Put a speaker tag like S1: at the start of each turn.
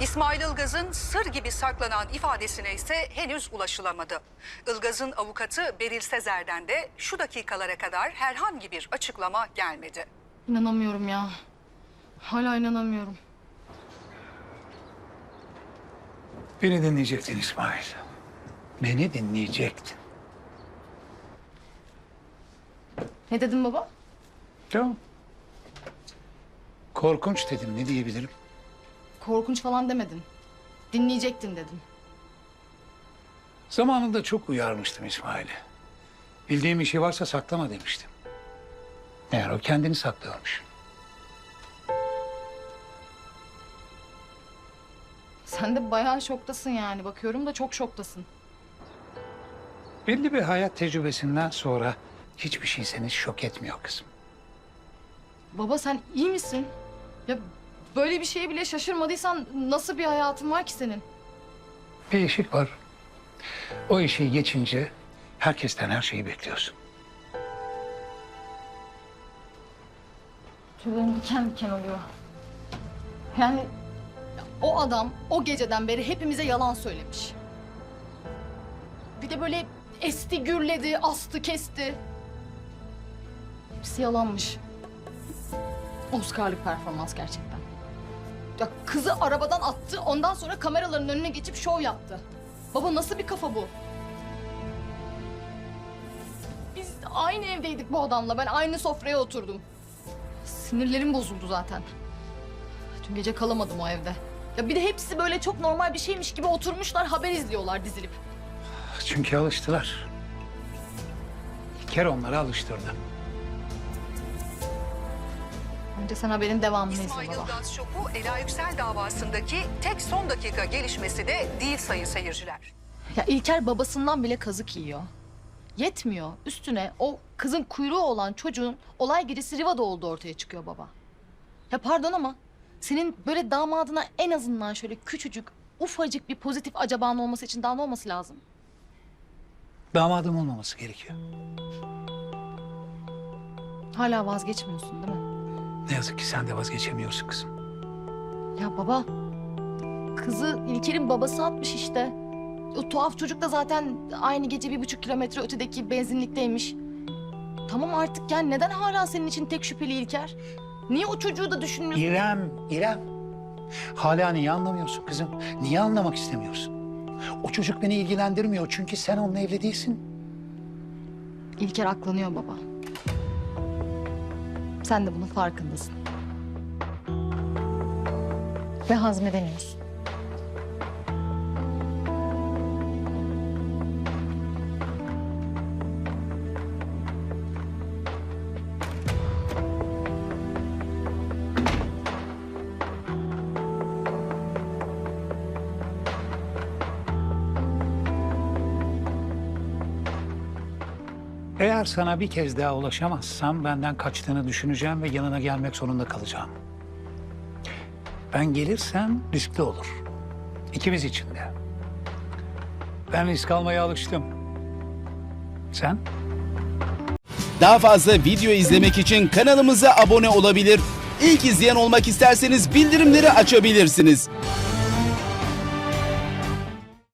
S1: İsmail Ilgaz'ın sır gibi saklanan ifadesine ise henüz ulaşılamadı. Ilgaz'ın avukatı Beril Sezer'den de şu dakikalara kadar herhangi bir açıklama gelmedi.
S2: İnanamıyorum ya. Hala inanamıyorum.
S3: Beni dinleyecektin İsmail. Beni dinleyecektin.
S2: Ne dedin baba?
S3: Tamam. Korkunç dedim, ne diyebilirim?
S2: Korkunç falan demedin. Dinleyecektin dedin.
S3: Zamanında çok uyarmıştım İsmail'i. Bildiğim bir şey varsa saklama demiştim. Meğer o kendini saklıyormuş.
S2: Sen de bayağı şoktasın yani. Bakıyorum da çok şoktasın.
S3: Belli bir hayat tecrübesinden sonra hiçbir şey seni şok etmiyor kızım.
S2: Baba sen iyi misin? Ya böyle bir şeye bile şaşırmadıysan nasıl bir hayatın var ki senin?
S3: Bir eşik var. O eşiği geçince herkesten her şeyi bekliyorsun.
S2: Tüylerim diken diken oluyor. Yani o adam o geceden beri hepimize yalan söylemiş. Bir de böyle esti, gürledi, astı, kesti. Hepsi yalanmış. Oscar'lık performans gerçekten. Ya kızı arabadan attı, ondan sonra kameraların önüne geçip şov yaptı. Baba nasıl bir kafa bu? Biz aynı evdeydik bu adamla. Ben aynı sofraya oturdum. Sinirlerim bozuldu zaten. Dün gece kalamadım o evde. Ya bir de hepsi böyle çok normal bir şeymiş gibi oturmuşlar, haber izliyorlar dizilip.
S3: Çünkü alıştılar. İlker onları alıştırdı.
S2: Önce sen haberin devamını izle
S1: İsmail
S2: baba.
S1: Ilgaz şoku Ela Yüksel davasındaki tek son dakika gelişmesi de değil sayın seyirciler.
S2: Ya İlker babasından bile kazık yiyor. Yetmiyor. Üstüne o kızın kuyruğu olan çocuğun olay gecesi Riva'da olduğu ortaya çıkıyor baba. Ya pardon ama senin böyle damadına en azından şöyle küçücük, ufacık bir pozitif acaban olması için daha ne olması lazım?
S3: Damadım olmaması gerekiyor.
S2: Hala vazgeçmiyorsun değil mi?
S3: Ne yazık ki sen de vazgeçemiyorsun kızım.
S2: Ya baba, kızı İlker'in babası atmış işte. O tuhaf çocuk da zaten aynı gece 1,5 kilometre ötedeki benzinlikteymiş. Tamam artık yani neden hala senin için tek şüpheli İlker? Niye o çocuğu da düşünmüyorsun?
S3: İrem. Hala niye anlamıyorsun kızım? Niye anlamak istemiyorsun? O çocuk beni ilgilendirmiyor çünkü sen onunla evli değilsin.
S2: İlker aklanıyor baba. Sen de bunun farkındasın. Ve hazmedemiyorsun.
S3: Eğer sana bir kez daha ulaşamazsam benden kaçtığını düşüneceğim ve yanına gelmek zorunda kalacağım. Ben gelirsem riskli olur. İkimiz için de. Ben risk almaya alıştım. Sen?
S4: Daha fazla video izlemek için kanalımıza abone olabilir. İlk izleyen olmak isterseniz bildirimleri açabilirsiniz.